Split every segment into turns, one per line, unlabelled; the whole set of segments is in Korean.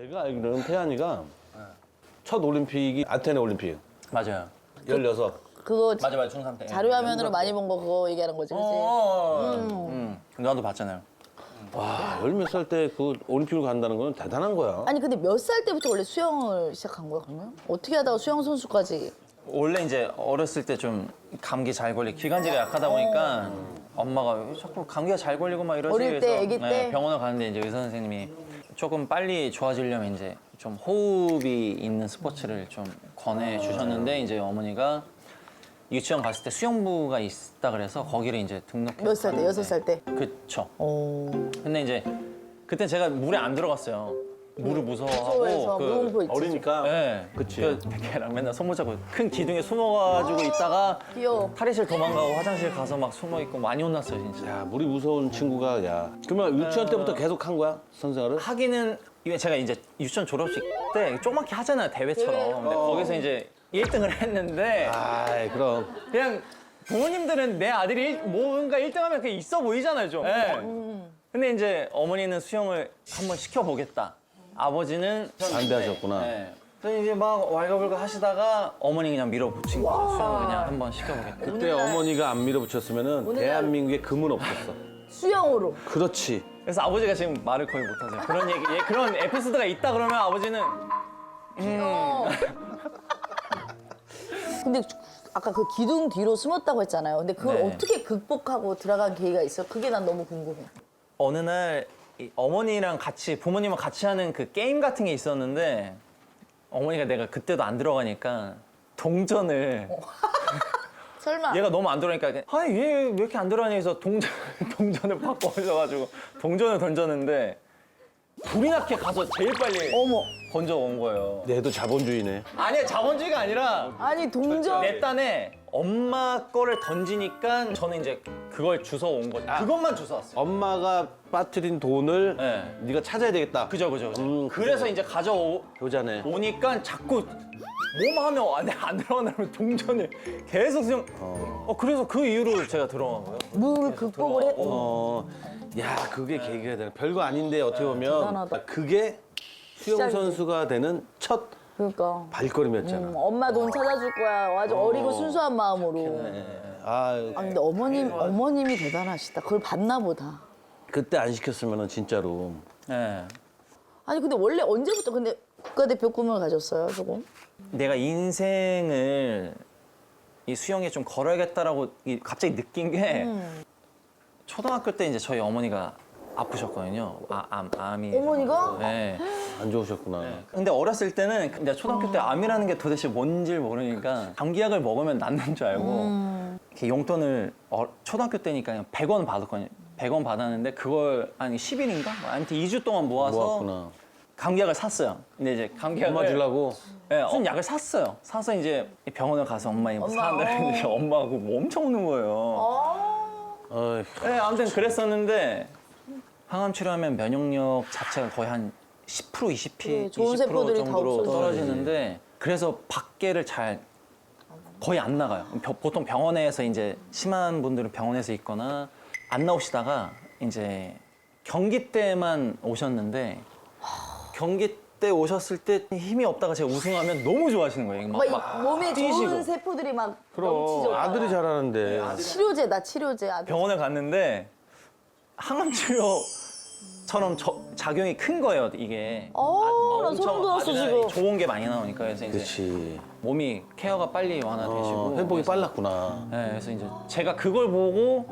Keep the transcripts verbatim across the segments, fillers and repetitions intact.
내가 알기로는 태안이가 첫 올림픽이 아테네 올림픽.
맞아요.
열여섯.
그거
맞아 맞아 중삼 때.
자료 화면으로 많이 본 거 그거 얘기하는 거지, 그치?
어. 음. 나도 봤잖아요.
와, 열 몇 살 때 그 올림픽을 간다는 건 대단한 거야.
아니 근데 몇 살 때부터 원래 수영을 시작한 거야, 그러면? 어떻게 하다가 수영 선수까지?
원래 이제 어렸을 때 좀 감기 잘 걸리 기관지가 약하다 보니까 엄마가 왜 자꾸 감기가 잘 걸리고 막 이러지.
어릴 때,
그래서
아기 때?
병원을 가는데 이제 의사 선생님이 조금 빨리 좋아지려면 이제 좀 호흡이 있는 스포츠를 좀 권해 주셨는데 이제 어머니가 유치원 갔을 때 수영부가 있다 그래서 거기를 이제 등록해.
몇 살 때? 여섯 살 때?
그쵸.
오.
근데 이제 그때 제가 물에 안 들어갔어요. 물을 무서워하고
무서워해서 무공포 있지.
어리니까.
네,
그치.
그 걔랑 맨날 손 못 잡고 큰 기둥에 숨어가지고 있다가
귀여워.
탈의실 도망가고 화장실 가서 막 숨어 있고 많이 혼났어요 진짜.
야, 물이 무서운 친구가 야. 그러면 유치원 때부터 계속 한 거야? 선생활을?
하기는 이게 제가 이제 유치원 졸업식 때 조그맣게 하잖아요 대회처럼.
대회.
근데 거기서 이제 일 등을 했는데
아이, 그럼.
그냥 부모님들은 내 아들이 일- 뭔가 일 등하면 그게 있어 보이잖아요 좀. 네. 근데 이제 어머니는 수영을 한번 시켜보겠다. 아버지는
반대하셨구나.
네. 그래서 이제 막 왈가불가 하시다가 어머니 그냥 밀어붙인 거죠. 수영 그냥 한번 시켜보겠다.
그때 어머니가 안 밀어붙였으면 대한민국에 금은 없었어.
수영으로.
그렇지.
그래서 아버지가 지금 말을 거의 못하세요. 그런 얘기, 예, 그런 에피소드가 있다 그러면 아버지는
근데 아까 그 기둥 뒤로 숨었다고 했잖아요. 근데 그걸
네.
어떻게 극복하고 들어간 계기가 있어? 그게 난 너무 궁금해.
어느 날 이 어머니랑 같이 부모님과 같이 하는 그 게임 같은 게 있었는데 어머니가 내가 그때도 안 들어가니까 동전을
설마.
얘가 너무 안 들어가니까 아얘 왜 이렇게 안 들어가니 해서 동전 동전을 바꿔주셔가지고 동전을 던졌는데 불이 나게 가서 제일 빨리
어머.
건져 온 거예요.
얘도 자본주의네.
아니야 자본주의가 아니라
아니 동전.
내 딴에 엄마 거를 던지니까 저는 이제 그걸 주워 온 거죠. 그것만 주워 왔어요.
엄마가 빠뜨린 돈을
네.
네가 찾아야 되겠다.
그죠 그죠 그죠.
음,
그래서 이제 가져오
효자네.
오니까 자꾸 뭐만 하면 안, 안 들어가면 동전을 계속 수영. 어. 그래서 그 이후로 제가 들어간 거예요.
물 극복을 해.
어, 야, 그게 계기가 되네. 별거 아닌데 어떻게 보면
대단하다.
그게 수영
시작이지.
선수가 되는 첫
그러니까.
발걸음이었잖아.
음, 엄마 돈 찾아줄 거야. 아주 어리고 순수한 마음으로.
아,
아 근데 어머님 어머님이 대단하시다. 그걸 봤나 보다.
그때 안 시켰으면 진짜로.
네.
아니 근데 원래 언제부터 근데 국가대표 꿈을 가졌어요, 조금?
내가 인생을 이 수영에 좀 걸어야겠다라고 이- 갑자기 느낀 게
음.
초등학교 때 이제 저희 어머니가 아프셨거든요. 아, 암, 암이.
어머니가?
네.
안 좋으셨구나.
근데 어렸을 때는 근데 초등학교 때 암이라는 게 도대체 뭔지 모르니까 감기약을 먹으면 낫는 줄 알고
음.
이렇게 용돈을 어, 초등학교 때니까 그냥 백 원 받았거든요. 백 원 받았는데 그걸 한 십 일인가? 아무튼 이 주 동안 모아서
모았구나.
감기약을 샀어요. 근데 이제 감기약을
엄마 주려고.
네, 무슨 약을 샀어요. 사서 이제 병원을 가서 엄마 이거
엄마,
사는데
어.
엄마하고 뭐 엄청 우는 거예요.
아.
어이,
네, 아무튼 그랬었는데 항암 치료하면 면역력 자체가 거의 한 십 퍼센트, 이십 퍼센트,
그래, 좋은
이십 퍼센트
세포들이 다
정도로
없어지지.
떨어지는데 그래서 밖에를 잘 거의 안 나가요. 벼- 보통 병원에서 이제 심한 분들은 병원에서 있거나 안 나오시다가 이제 경기 때만 오셨는데 경기 때 오셨을 때 힘이 없다가 제가 우승하면 너무 좋아하시는 거예요. 막,
막, 이
막
몸에 좋은
뛰시고.
세포들이 막
그럼
넘치죠.
아들이 잘하는데.
치료제다 치료제 아들.
병원에 갔는데 항암 치료처럼 저- 작용이 큰 거예요, 이게.
어,
아,
나
엄청
소름 돋았어,
아드레날린이
지금.
좋은 게 많이 나오니까 그래서 이제
그렇지.
몸이 케어가 빨리 완화되시고
어, 회복이
그래서-
빨랐구나.
네, 그래서 이제 제가 그걸 보고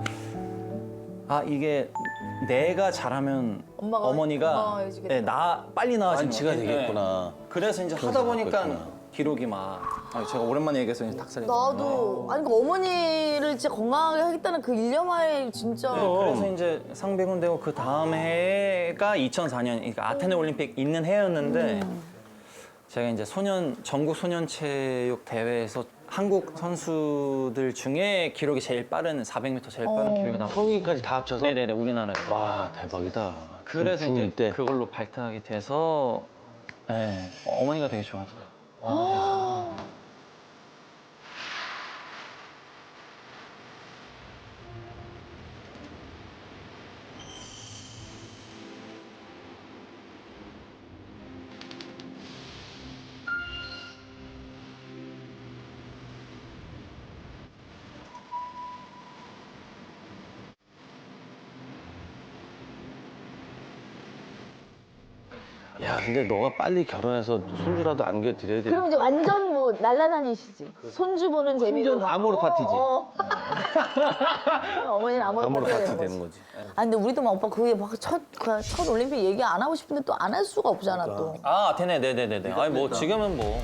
아 이게 내가 잘하면
엄마가
어머니가
건강해지겠다.
네, 나 빨리 나아지는
완치가
것 같아요.
되겠구나.
네. 그래서 이제 하다
그래서
보니까
그랬구나.
기록이 막 아, 제가 오랜만에 얘기해서 이제 닭살이
나도 아니 그 어머니를 진짜 건강하게 하겠다는 그 일념하에 진짜
네, 그래서 이제 상비군 되고 그 다음 해가 이천사 년, 그러니까 아테네 올림픽 있는 해였는데 제가 이제 소년 전국 소년체육 대회에서 한국 선수들 중에 기록이 제일 빠른 사백 미터 제일 빠른 기록이 나왔어요.
성인까지 다 합쳐서?
네네네 우리나라에.
와, 대박이다.
그래서
중-
이제
중일 때.
그걸로 발탁이 돼서 네, 어머니가 되게 좋아하세요.
야, 근데 너가 빨리 결혼해서 손주라도 안겨드려야 돼.
그럼 이제 완전 뭐 날라다니시지. 손주 보는 재미로.
완전 아모르 파티지.
어, 어. 어머니는 아모르
아모르
파티가
파티
되는
되는
거지.
거지.
아 근데 우리도 막 오빠 그게 막첫 첫 올림픽 얘기 안 하고 싶은데 또 안 할 수가 없잖아 또.
아, 되네, 네네네네. 아니 뭐 지금은 뭐.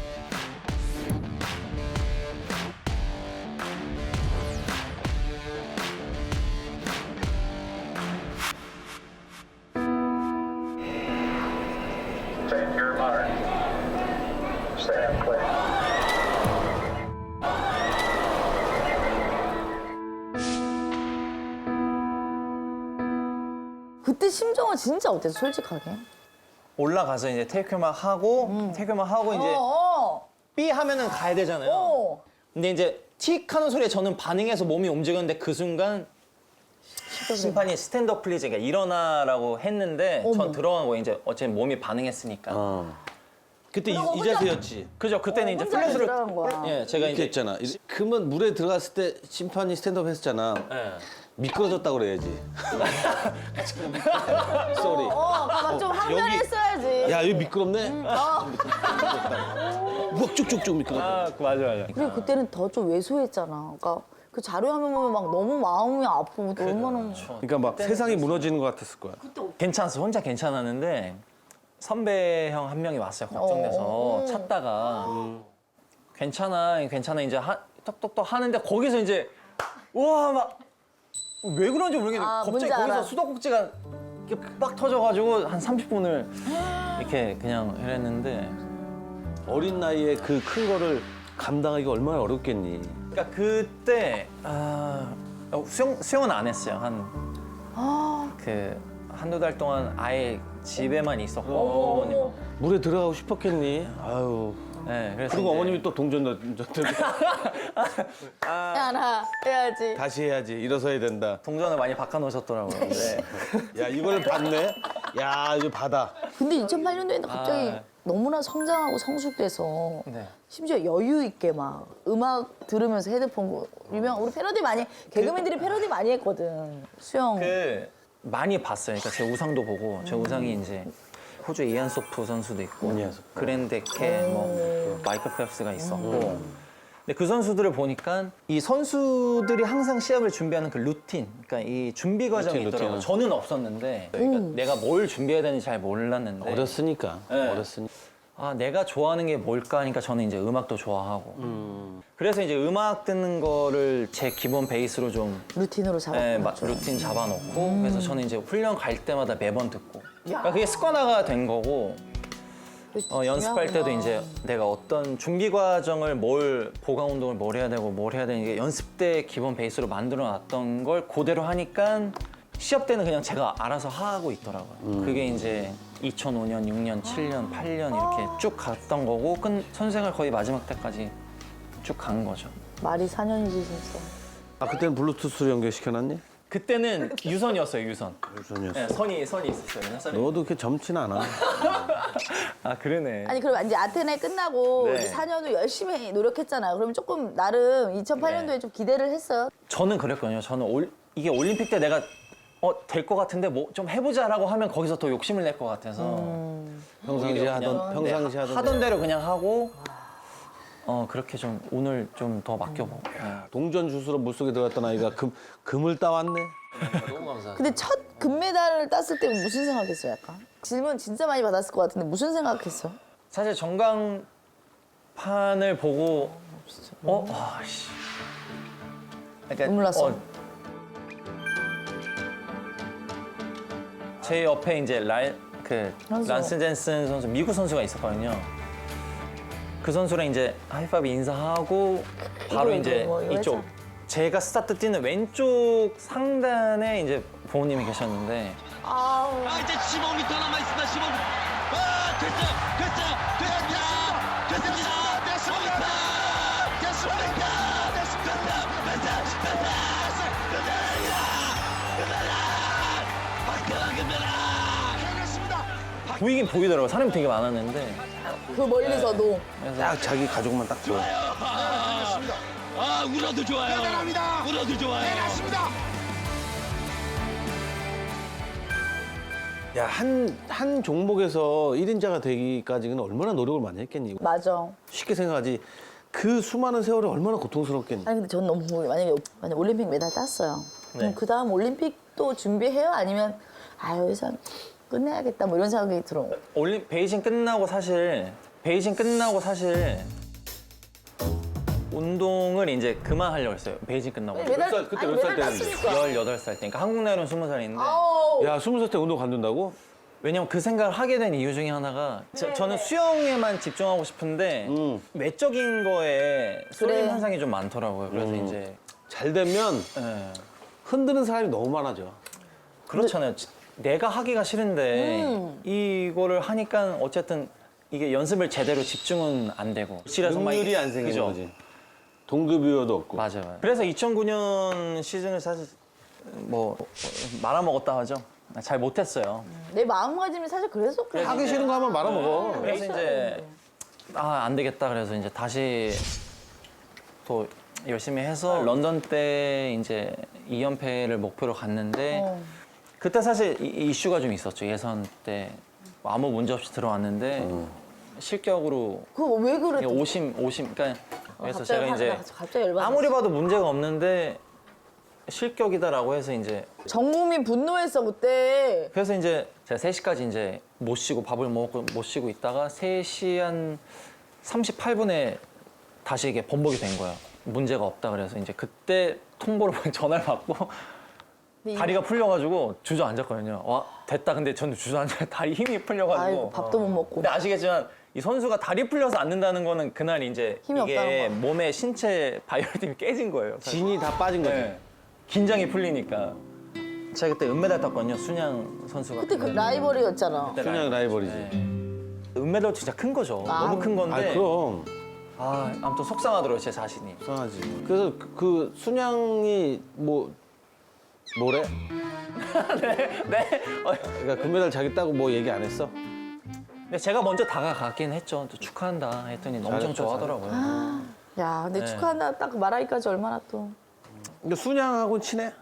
Take your mark. Stand clear.
그때 심정은 진짜 어땠어 솔직하게?
올라가서 이제 테이크만 하고 테이크만 하고 이제
어,
삐 하면은 가야 되잖아요.
어.
근데 이제 틱 하는 소리에 저는 반응해서 몸이 움직였는데 그 순간 심판이 스탠드업 플리즈, 그러니까 일어나라고 했는데
어머.
전 들어간 거예요. 이제 어쨌든 몸이 반응했으니까.
어. 그때 이,
그럼
이
혼자-
자세였지.
그죠? 그때는 이제
혼자
플래시를
들어간 거야.
예, 제가
이렇게
이제
했잖아. 그러면 물에 들어갔을 때 심판이 스탠드업 했잖아.
예.
미끄러졌다고 그래야지. 쏘리.
어, 막좀 항변을
여기-
했어야지.
야, 여기 미끄럽네?
어.
막 쭉쭉쭉 미끄러져.
아, 그 맞아 맞아.
그리고 그때는 더 좀 왜소했잖아. 그러니까 그 자료화면 보면 막 너무 마음이 아프고 또 얼마나.
그러니까 막 세상이 무너지는 것 같았을 거야.
괜찮았어. 혼자 괜찮았는데 선배 형 한 명이 왔어요. 걱정돼서
어.
찾다가 괜찮아, 괜찮아 이제 하, 톡톡톡 하는데 거기서 이제 우와 막 왜 그런지 모르겠는데
아,
갑자기
뭔지
거기서
알아.
수도꼭지가 이렇게 빡 터져가지고 한 삼십 분을 이렇게 그냥 이랬는데
어린 나이에 그 큰 거를 감당하기가 얼마나 어렵겠니.
그러니까 그때 아, 어, 수영 수영은 안 했어요. 한 그 한두 달 동안 아예 집에만 있었고 어머님.
물에 들어가고 싶었겠니. 아유.
네, 그래서
그리고
이제
어머님이 또 동전 던졌대.
야, 나 해야지.
다시 해야지. 일어서야 된다.
동전을 많이 바꿔놓으셨더라고요. 근데
야, 이걸 받네? 야, 이거 받아.
근데 이천팔 년도에는 갑자기
아.
너무나 성장하고 성숙돼서
네.
심지어 여유 있게 막 음악 들으면서 헤드폰 거- 유명 우리 패러디 많이 개그맨들이 패러디 많이 했거든. 수영.
그 많이 봤어요. 그러니까 제 우상도 보고 제 우상이 이제 호주 이안 소프 선수도 있고
이안 소프.
그랜데케 뭐 마이클 펠프스가 있었고 근데 그 선수들을 보니까 이 선수들이 항상 시합을 준비하는 그 루틴, 그러니까 이 준비 과정이
루틴,
있더라고요.
루틴.
저는 없었는데 그러니까 내가 뭘 준비해야 되는지 잘 몰랐는데
어렸으니까.
네.
어렸으니까.
아 내가 좋아하는 게 뭘까 하니까 저는 이제 음악도 좋아하고 그래서 이제 음악 듣는 거를 제 기본 베이스로 좀
루틴으로
네, 마-
잡았죠.
루틴 잡아놓고 그래서 저는 이제 훈련 갈 때마다 매번 듣고 그러니까 그게 습관화가 된 거고 어, 연습할 때도 이제 내가 어떤 준비 과정을 뭘 보강 운동을 뭘 해야 되고 뭘 해야 되는 게 연습 때 기본 베이스로 만들어 놨던 걸 그대로 하니까 시합 때는 그냥 제가 알아서 하고 있더라고요. 그게 이제 이천오 년, 육 년, 칠 년, 팔 년 이렇게 쭉 갔던 거고 끈 선생활 거의 마지막 때까지 쭉 간 거죠.
말이 사 년이지 진짜.
아, 그때는 블루투스로 연결시켜놨니?
그때는 유선이었어요, 유선.
유선이었어.
네, 선이 선이 있었어요. 그냥 선이.
너도 그렇게 젊진 않아.
아 그러네.
아니 그럼 이제 아테네 끝나고
네.
이제 사 년 후 열심히 노력했잖아요. 그러면 조금 나름 이천팔 년도에
네.
좀 기대를 했어요.
저는 그랬거든요. 저는 올, 이게 올림픽 때 내가 어, 될 것 같은데 뭐 좀 해보자라고 하면 거기서 더 욕심을 낼 것 같아서
평상시
오히려
하던,
그냥,
평상시
네,
하던.
하던 대로 그냥 하고 어 그렇게 좀 오늘 좀 더 맡겨보고. 네.
동전 주스로 물속에 들어갔던 아이가 금, 금을 따왔네.
근데 첫 금메달을 땄을 때 무슨 생각했어 약간? 질문 진짜 많이 받았을 것 같은데 무슨 생각했어?
사실 전광판을 보고 어? 아씨. 그러니까,
눈물 났어.
제 옆에 이제 라, 그
선수.
란스 젠슨 선수 미국 선수가 있었거든요. 그 선수랑 이제 하이파이브 인사하고 바로
이거,
이제
이거, 이거
이쪽
했잖아.
제가 스타트 뛰는 왼쪽 상단에 이제 부모님이 계셨는데
아우.
아 이제 십오 미터 남아 있습니다. 십오 미터. 아 됐어, 됐어, 됐다, 됐습니다. 됐습니다. 됐습니다. 됐습니다. 됐다, 됐다,
보이긴 보이더라고요. 사람이 되게 많았는데
그 멀리서도.
딱 자기 가족만 딱 보여.
아 울어도 좋아요. 대단합니다. 울어도 좋아요. 대단합니다.
야, 한, 한 종목에서 일 인자가 되기까지는 얼마나 노력을 많이 했겠니?
맞아.
쉽게 생각하지. 그 수많은 세월이 얼마나 고통스럽겠니?
아니 근데 전 너무 궁금해. 만약에 만약 올림픽 메달 땄어요. 그럼
네.
그 다음 올림픽 또 준비해요? 아니면 아 여기서 끝내야겠다 뭐 이런 생각이 들어.
올림 베이징 끝나고 사실 베이징 끝나고 사실 운동을 이제 그만하려고 했어요. 베이징 끝나고.
메달
살- 그때
아니,
몇 살
메달
때였는데?
땄으니까.
열여덟 살 때. 그러니까 한국 나이로는 스무 살인데.
아우.
야, 스무 살 때 운동 관둔다고?
왜냐면 그 생각을 하게 된 이유 중에 하나가 저, 저는 수영에만 집중하고 싶은데
음.
외적인 거에 쏠림
그래.
현상이 좀 많더라고요. 그래서
음.
이제
잘 되면
예.
흔드는 사람이 너무 많아져.
그렇잖아요. 내가 하기가 싫은데
음.
이거를 하니까 어쨌든 이게 연습을 제대로 집중은 안 되고 실에서 막
능률이
이게-
안 생기는
그죠?
거지. 동급이어도 없고.
맞아요. 맞아요. 그래서 이천구 년 시즌을 사실 뭐 말아먹었다 하죠. 잘 못했어요.
내 마음가짐이 사실 그래서 그래.
하기 싫은 거 하면 말아먹어.
그래서 이제 아 안 되겠다 그래서 이제 다시 또 열심히 해서 런던 때 이제 이 연패를 목표로 갔는데
어.
그때 사실 이- 이슈가 좀 있었죠. 예선 때 아무 문제 없이 들어왔는데 실격으로
그거 왜 그랬대?
오심 오심 그러니까 그래서
갑자기
제가 이제
화가- 갑자기 열받았어.
아무리 봐도 문제가 없는데 실격이다라고 해서 이제
전 국민 분노했어 그때.
그래서 이제 제가 세 시까지 이제 못 쉬고 밥을 먹고 못 쉬고 있다가 세 시 한 삼십팔 분에 다시 이게 번복이 된 거예요. 문제가 없다 그래서 이제 그때 통보를 전화를 받고
근데 이-
다리가 풀려가지고 주저앉았거든요. 와 됐다. 근데 저는 주저앉아 다리 힘이 풀려가지고.
아이고 밥도 못 먹고.
근데 아시겠지만 이 선수가 다리 풀려서 앉는다는 거는 그날 이제
힘이
이게
없다는 거.
몸의 신체 바이오리듬이 깨진 거예요. 사실.
진이 다 빠진 거지.
네. 긴장이 풀리니까. 제가 그때 은메달 땄거든요. 순양 선수가.
그때 그 라이벌이었잖아.
그때
그냥 라이벌이지.
네. 은메달 진짜 큰 거죠.
아.
너무 큰 건데.
아, 그럼.
아, 아무튼 속상하더라고요, 제 자신이.
이상하지. 그래서 그, 그 순양이 뭐 뭐래?
네. 어,
그러니까 금메달 자기 따고 뭐 얘기 안 했어?
근데 제가 먼저 다가가긴 했죠. 또 축하한다 했더니 엄청
잘했다,
좋아하더라고요.
야 근데
네.
축하한다 딱 말하기까지 얼마나 또.
근데 순양하고 친해?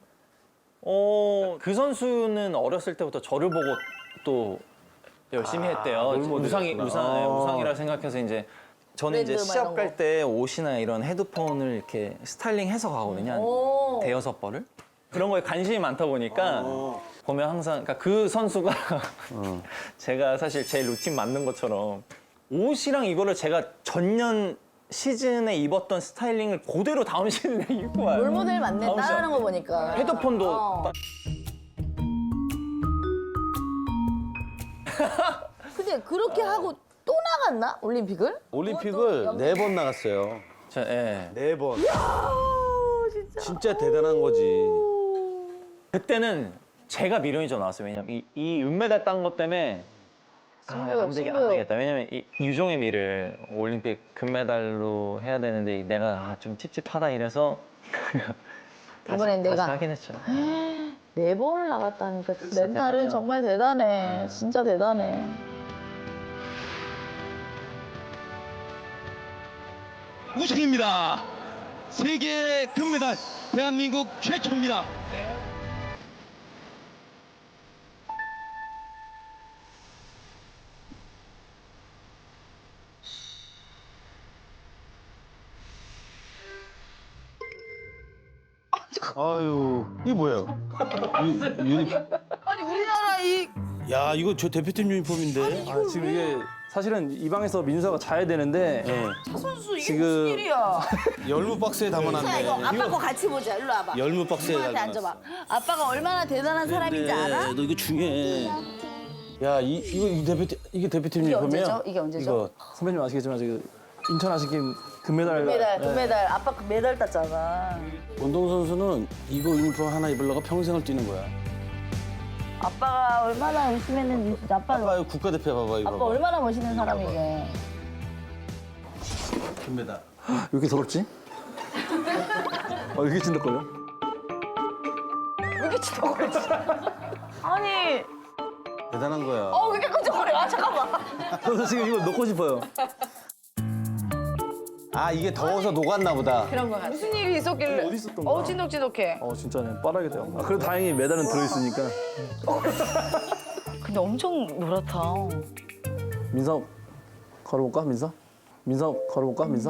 어, 그 선수는 어렸을 때부터 저를 보고 또 열심히 했대요.
롤모델이었구나.
우상이, 우상, 네,
어.
우상이라 생각해서 이제 저는 이제
브랜드 막
시합
이런
갈
거.
때 옷이나 이런 헤드폰을 이렇게 스타일링해서 가거든요. 한
오.
대여섯 벌을. 그런 거에 관심이 많다 보니까 보면 항상 그러니까 그 선수가 제가 사실 제 루틴 맞는 것처럼 옷이랑 이거를 제가 전년 시즌에 입었던 스타일링을 그대로 다음 시즌에 입고 와요.
롤모델 맞네
다음
따라하는 거 보니까.
헤드폰도
어.
딱
근데 그렇게 하고 또 나갔나 올림픽을?
올림픽을 네 번 나갔어요.
저, 예.
네 번.
어, 진짜.
진짜 대단한 거지.
그때는 제가 미련이 좀 나왔어요. 왜냐면 이, 이 은메달 딴 것 때문에 아,
승부욕,
안, 되겠, 안
승부욕.
되겠다. 왜냐면 이 유종의 미를 올림픽 금메달로 해야 되는데 내가 아, 좀 찝찝하다 이래서 다시,
이번엔
다시
내가.
하긴 했죠.
네 번을 나갔다니까 멘탈은 정말 대단해. 진짜 대단해.
우승입니다. 세계 금메달 대한민국 최초입니다.
아유, 이게 뭐예요? 유, 유니...
아니 우리나라 이
야, 이거 저 대표팀 유니폼인데?
아, 지금 이게 사실은 이 방에서 민서가 자야 되는데
네.
선수 이게
지금-
무슨 일이야?
열무 박스에
자 이거
담아놨네.
아빠 거 같이 보자. 일로 와봐.
열무 박스에
이모한테
담아놨어.
앉아봐. 아빠가 얼마나 대단한 사람인지 알아?
너 이거 중요해. 야, 이, 이거 이 대표팀, 이게 대표팀
이게
유니폼이야?
언제죠? 이게 언제죠?
이거
선배님 아시겠지만 지금 인천 아시킴 금메달
금메달,
네.
금메달. 아빠 그 메달 땄잖아.
운동선수는 이거 유니폼 하나 입으려고 평생을 뛰는 거야.
아빠가 얼마나 열심히 했는지 진짜 아빠
봐봐요, 국가대표 봐봐, 이거.
아빠
봐봐.
얼마나 멋있는 사람이게.
금메달.
왜 이렇게 더럽지? 어, 이렇게 찐득거려?
왜 이렇게 치덕거리지? 아니,
대단한 거야.
어, 왜 이렇게 끈적거려? 아, 잠깐만.
저도 지금 이거 넣고 싶어요.
아, 이게 더워서 녹았나 보다.
그런 거 같아. 무슨 일이 있었길래?
어디 있었던 거야?
어우, 찐덕찐덕해.
어, 진짜네. 빠르게 돼요. 아, 그래도 다행히 메달은 들어있으니까.
근데 엄청 노랗다.
민서 걸어볼까 민서? 민서 걸어볼까 민서?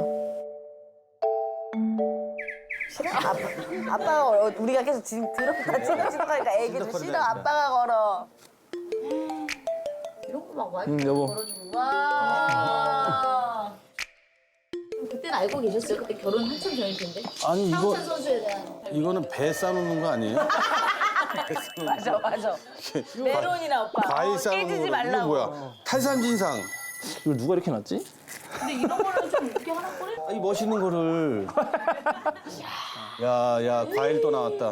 싫어? 아빠, 아빠가 걸어. 우리가 계속 지금 들어 같이 지나가니까 애기도 싫어. 아빠가 걸어. 이런 거 막 와이프
응 여보.
걸어주고. 와. 그때는 알고 계셨어요? 그때 결혼 한참 전일 텐데.
아니 이거
황찬 선수에 대한.
이거는 배 싸놓는 거 아니에요?
맞아 맞아. 메론이나 오빠.
과일
어,
싸놓는
깨지지
거.
말라고.
이거 뭐야? 탈산진상.
이걸 누가 이렇게 놨지?
근데 이런 거는 좀 이렇게 하나 꺼내?
아, 이 멋있는 거를. 야, 야, 과일 또 나왔다.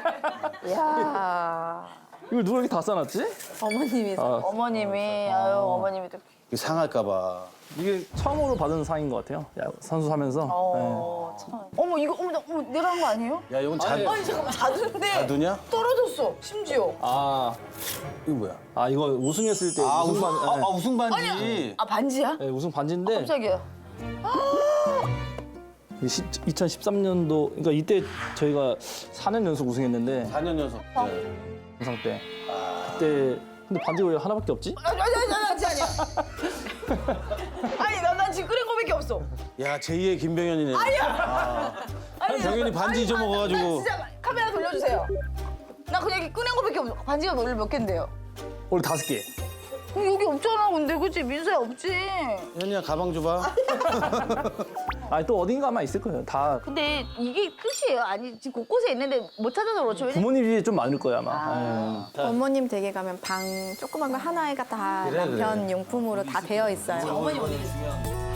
야
이걸 누가 이렇게 다 싸놨지?
어머님이
아.
어머님이 아유 어머님이 또.
이거 상할까봐.
이게 처음으로 받은 상인 것 같아요. 야, 선수 하면서.
어 참. 어머 이거 어머, 나- 어머 내가 한 거 아니에요?
야, 이건 자,
아니 잠깐만 자두인데
자두냐?
떨어졌어 심지어.
아,
이거 뭐야?
아 이거 우승했을 때
아,
우승
우승,
반,
아,
네.
아, 우승 반지.
아 반지야?
네, 우승 반지인데
깜짝이야.
이천십삼 년도 그러니까 이때 저희가 사 년 연속 우승했는데
사 년 연속. 네.
우승 때 그때 근데 반지가 왜 하나밖에 없지?
아니 아니 아니 아니 아니. 아니 난, 난 지금 끓인 거밖에 없어.
야, 제이의 김병현이네. 아니야.
아니
병현이 반지 잊어먹어가지고.
나 진짜 카메라 돌려주세요. 나 그냥 이렇게 꺼낸 거밖에 없어. 반지가 원래 몇 개인데요?
원래 다섯 개.
어, 여기 없잖아 근데 그치 민서야 없지.
현이야, 가방 줘봐.
아니 또 어딘가 아마 있을 거예요. 다
근데 이게 끝이에요? 아니 지금 곳곳에 있는데 못 찾아서 그렇죠. 왜냐면
부모님 집이 좀 많을 거예요 아마. 예.
어머님 댁에 가면 방 조그만 거 하나가 다
그래,
남편 용품으로 다 되어 있어요.
어머니 어디 계세요?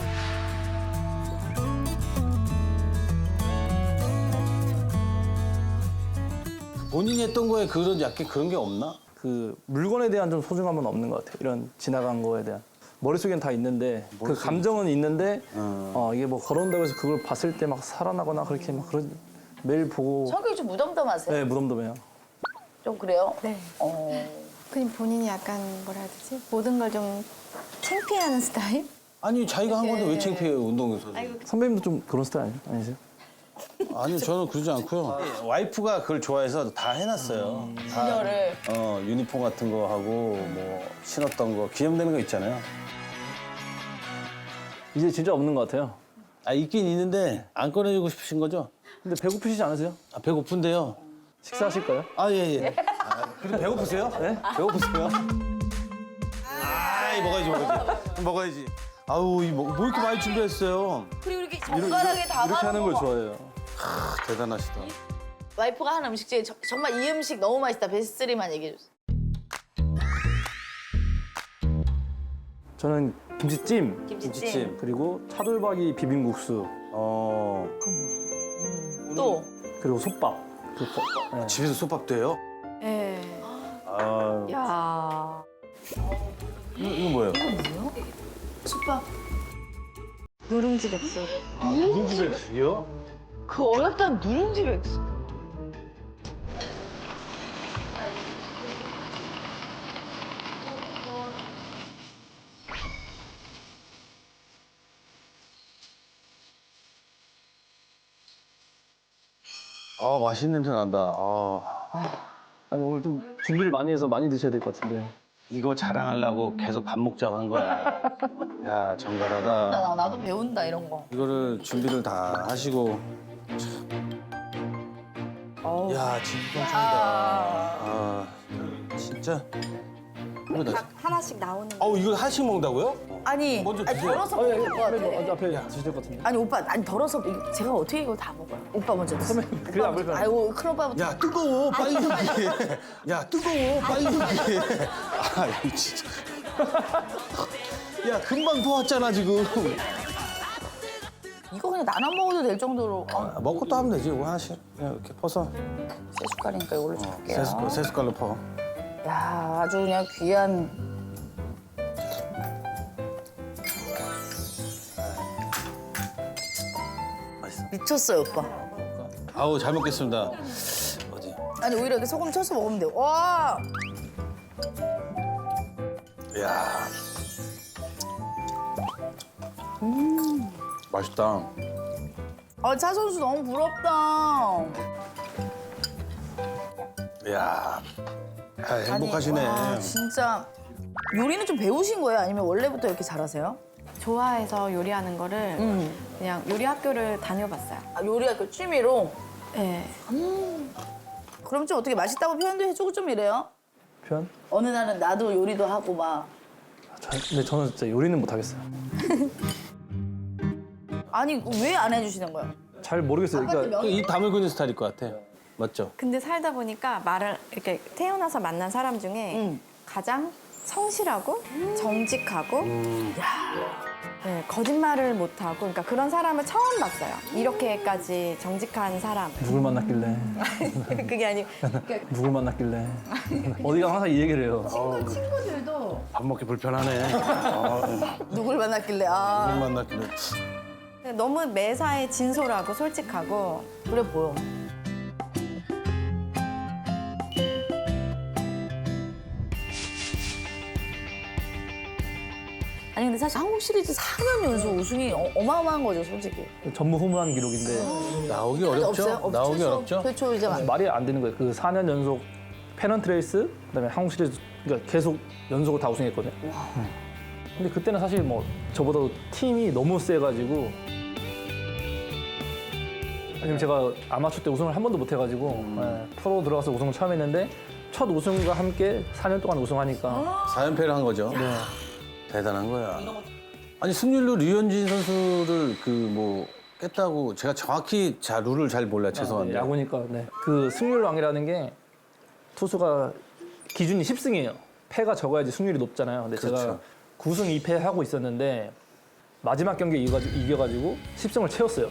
본인이 했던 거에 그런 약간 그런 게 없나?
그 물건에 대한 좀 소중함은 없는 것 같아요. 이런 지나간 거에 대한. 머릿속엔 다 있는데 그 감정은 있는데 어, 이게 뭐 걸어온다고 해서 그걸 봤을 때 막 살아나거나 그렇게 막 그런 매일 보고
성격이 좀 무덤덤하세요?
네 무덤덤해요.
좀 그래요?
네.
어.
그냥 본인이 약간 뭐라 해야 되지? 모든 걸 좀 창피해하는 스타일?
아니, 자기가 한 건데 왜 창피해요, 운동에서.
선배님도 좀 그런 스타일 아니- 아니세요?
아니, 저는 그러지 않고요. 와이프가 그걸 좋아해서 다 해놨어요. 다,
진열을.
어, 유니폼 같은 거 하고, 뭐, 신었던 거, 기념되는 거 있잖아요.
이제 진짜 없는 것 같아요.
아, 있긴 있는데, 안 꺼내주고 싶으신 거죠?
근데 배고프시지 않으세요?
아, 배고픈데요.
식사하실까요?
아, 예, 예. 아, 그리고 배고프세요?
네?
배고프세요? 아이, 먹어야지, 먹어야지. 먹어야지. 아우, 이 뭐, 뭐 이렇게 많이 준비했어요?
그리고 이렇게 젓가락에 담아
이렇게 하는 걸 좋아해요.
아, 대단하시다.
와이프가 하는 음식 중에 저- 정말 이 음식 너무 맛있다 베스트 쓰리만 얘기해 주세요.
저는 김치찜
김치찜.
그리고 차돌박이 비빔국수
어,
또
그리고 솥밥. 그 거- 네.
집에서 솥밥도 해요?
네.
아,
야.
이거, 이거 뭐예요?
솥밥.
누룽지 백숙.
누룽지백숙이요?
그 어렵다는 누룽지 백숙.
아, 맛있는 냄새 난다. 아,
아니, 오늘 좀 준비를 많이 해서 많이 드셔야 될 것 같은데.
이거 자랑하려고 계속 밥 먹자고 한 거야. 야, 정갈하다.
나, 나도 배운다 이런 거.
이거를 준비를 다 하시고.
어우.
야, 진짜 짱이다. 아, 진짜. 이거 나.
각 하나씩 나오는 거.
아우, 이걸 하나씩 먹는다고요?
아니,
먼저
아니
드세요.
덜어서
아, 예,
먹을 것 같아.
앞에, 앞에 드실 것 같은데.
아니 오빠, 아니 덜어서 이거 제가 어떻게 이걸 다 먹어요? 오빠 먼저 드세요.
그래, 안 불편해.
아이고 큰 오빠부터.
야, 뜨거워. 빨리 준비해. 야, 뜨거워. 빨리 준비해. 아, 이거 진짜. 야, 금방 도왔잖아, 지금.
이거 그냥 나눠 먹어도 될 정도로. 어,
아, 먹고 또 하면 되지. 이거 하나씩. 그냥 이렇게 퍼서.
세 숟갈이니까 이걸로 줄게요.
세 숟갈, 세 숟갈로 퍼.
야, 아주 그냥 귀한.
맛있어.
미쳤어요, 오빠.
아우, 잘 먹겠습니다. 어디?
아니 오히려 이렇게 소금 쳐서 먹으면 돼요. 와,
이야. 음. 맛있다.
아, 차 선수 너무 부럽다.
이야. 아, 행복하시네.
아니, 와, 진짜 요리는 좀 배우신 거예요? 아니면 원래부터 이렇게 잘하세요?
좋아해서 요리하는 거를
음.
그냥 요리 학교를 다녀봤어요.
아, 요리가 그 취미로?
네.
그럼 좀 어떻게 맛있다고 표현도 해주고 좀 이래요?
표현?
어느 날은 나도 요리도 하고 막.
저, 근데 저는 진짜 요리는 못 하겠어요.
아니 왜 안 해주시는 거예요?
잘 모르겠어요. 그러니까
입 다물고 있는 스타일일 것 같아. 맞죠?
근데 살다 보니까 말을 이렇게 태어나서 만난 사람 중에
음.
가장 성실하고 정직하고 네, 거짓말을 못하고 그러니까 그런 사람을 처음 봤어요. 이렇게까지 정직한 사람.
누굴 만났길래
그게 아니고
누굴 만났길래 어디 가면 항상 이 얘기를 해요.
친구들도
밥 먹기 불편하네. 아,
누굴 만났길래 아
못 만났길래.
너무 매사에 진솔하고 솔직하고
그래 보여. 아니 근데 사실 한국 시리즈 사 년 연속 우승이 어, 어마어마한 거죠 솔직히.
전무후무한 기록인데
나오기 어렵죠?
없어요? 없-
나오기
최초,
어렵죠?
최초 이제 막
말이 안 되는 거예요. 그 사 년 연속 페넌트레이스 그다음에 한국 시리즈 그러니까 계속 연속으로 다 우승했거든요. 음. 근데 그때는 사실 뭐 저보다 팀이 너무 세가지고 아니면 제가 아마추어 때 우승을 한 번도 못 해가지고 예, 프로 들어가서 우승을 처음 했는데 첫 우승과 함께 사 년 동안 우승하니까
사 연패를 한 거죠.
네.
대단한 거야. 아니 승률로 류현진 선수를 그 뭐 깼다고 제가 정확히 자 룰을 잘 몰라 요 죄송한데.
네, 야구니까 네. 그 승률왕이라는 게 투수가 기준이 십 승이에요. 패가 적어야지 승률이 높잖아요. 근데 제가
그렇죠.
구 승 이 패 하고 있었는데 마지막 경기에 이겨가지고, 이겨가지고 십 승을 채웠어요.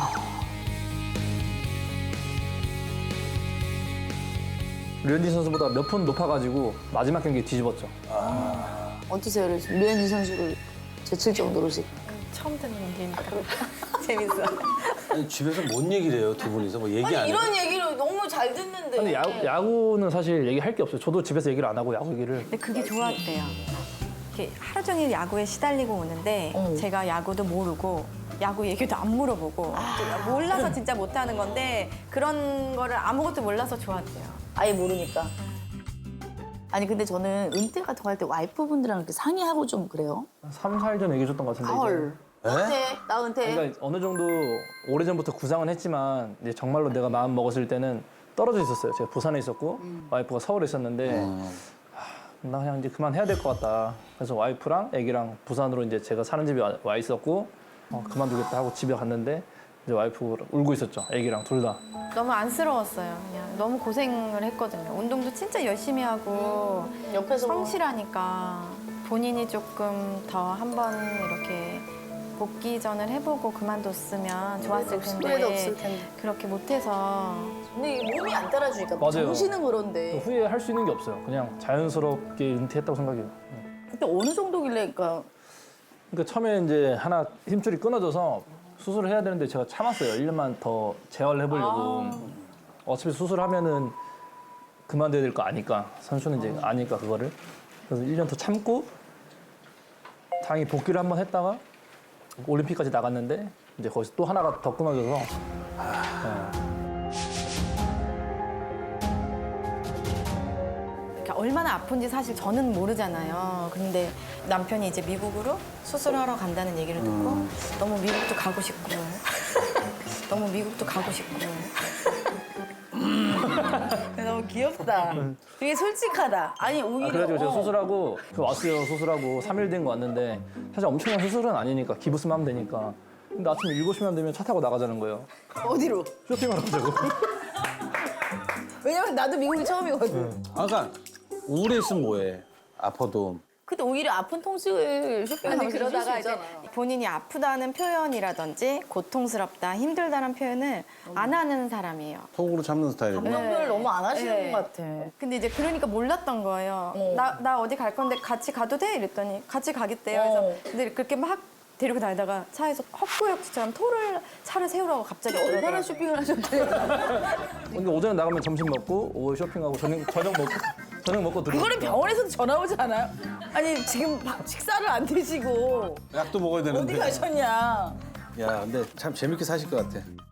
류현진 선수보다 몇 푼 높아가지고 마지막 경기에 뒤집었죠.
어떠세요? 류현진 선수를 제칠 정도로씩.
처음 듣는 얘기니까 재밌어.
아니 집에서 뭔 얘기를 해요 두 분이서 뭐 얘기 안 해요?
이런 얘기를 너무 잘 듣는데.
근데 야구, 야구는 사실 얘기할 게 없어요. 저도 집에서 얘기를 안 하고 야구 얘기를.
근데 그게 좋았대요. 이렇게 하루 종일 야구에 시달리고 오는데
어.
제가 야구도 모르고 야구 얘기도 안 물어보고 몰라서 진짜 못하는 건데 그런 거를 아무것도 몰라서 좋았대요.
아예 모르니까. 아니 근데 저는 은퇴 같은 거 할 때 와이프분들이랑 이렇게 상의하고 좀 그래요.
삼, 사 일 전에 얘기해줬던 것 같은데. 이제.
헐. 은퇴, 나 은퇴.
그러니까 어느 정도 오래전부터 구상은 했지만 이제 정말로 내가 마음 먹었을 때는 떨어져 있었어요. 제가 부산에 있었고 와이프가 서울에 있었는데 하, 나 그냥 이제 그만해야 될 것 같다. 그래서 와이프랑 애기랑 부산으로 이제 제가 사는 집에 와, 와 있었고 어, 그만두겠다 하고 집에 갔는데 이제 와이프가 울고 있었죠. 애기랑 둘 다.
너무 안쓰러웠어요. 그냥 너무 고생을 했거든요. 운동도 진짜 열심히 하고
옆에서 뭐.
성실하니까 본인이 조금 더 한번 이렇게 복귀전을 해보고 그만뒀으면 좋았을 텐데
후회도 없을 텐데.
그렇게 못해서
근데 이게 몸이 안 따라주니까
맞아요.
정신은 그런데.
후회할 수 있는 게 없어요. 그냥 자연스럽게 은퇴했다고 생각해요.
그때 어느 정도길래 그러니까
그러니까 처음에 이제 하나 힘줄이 끊어져서 수술을 해야 되는데 제가 참았어요. 일 년만 더 재활을 해보려고. 어차피 수술하면은 그만둬야 될 거 아니까. 선수는 이제 아니까 그거를. 그래서 일 년 더 참고 다행히 복귀를 한번 했다가 올림픽까지 나갔는데 이제 거기서 또 하나가 더 끊어져서
그러니까 얼마나 아픈지 사실 저는 모르잖아요. 근데 남편이 이제 미국으로 수술하러 간다는 얘기를 듣고 너무 미국도 가고 싶고 너무 미국도 가고 싶고
너무 귀엽다. 되게 솔직하다. 아니 오히려.
아, 그래가지고 제가
어.
수술하고 그 왔어요. 수술하고 삼 일 된 거 왔는데 사실 엄청난 수술은 아니니까 기부스만 하면 되니까. 근데 아침 일곱 시만 되면 차 타고 나가자는 거예요.
어디로?
쇼핑하러 가자고.
왜냐면 나도 미국이 처음이거든.
아, 그러니까 우울해 있으면 뭐해? 아파도.
근데 오히려 아픈 통증을 쇼핑하면서
아니 그러다가
이제
이제 본인이 아프다는 표현이라든지 고통스럽다, 힘들다는 표현을 안 하는 사람이에요.
속으로 참는 스타일이고.
감정 표현을 너무 안 하시는
네.
것 같아.
근데 이제 그러니까 몰랐던 거예요.
어.
나, 나 어디 갈 건데 같이 가도 돼? 이랬더니 같이 가겠대요.
어.
그래서 근데 그렇게 막 데리고 다니다가 차에서 헛구역질처럼 토를 차를 세우라고 갑자기
얼마나
그러더라고요.
쇼핑을 하셨대?
근데 오전에 나가면 점심 먹고 오후에 쇼핑하고 저녁 저녁 먹고 저녁 먹고 들어.
그거는 병원에서도 전화 오지 않아요? 아니 지금 밥- 식사를 안 드시고
약도 먹어야 되는데.
어디 가셨냐?
야, 근데 참 재밌게 사실 것 같아.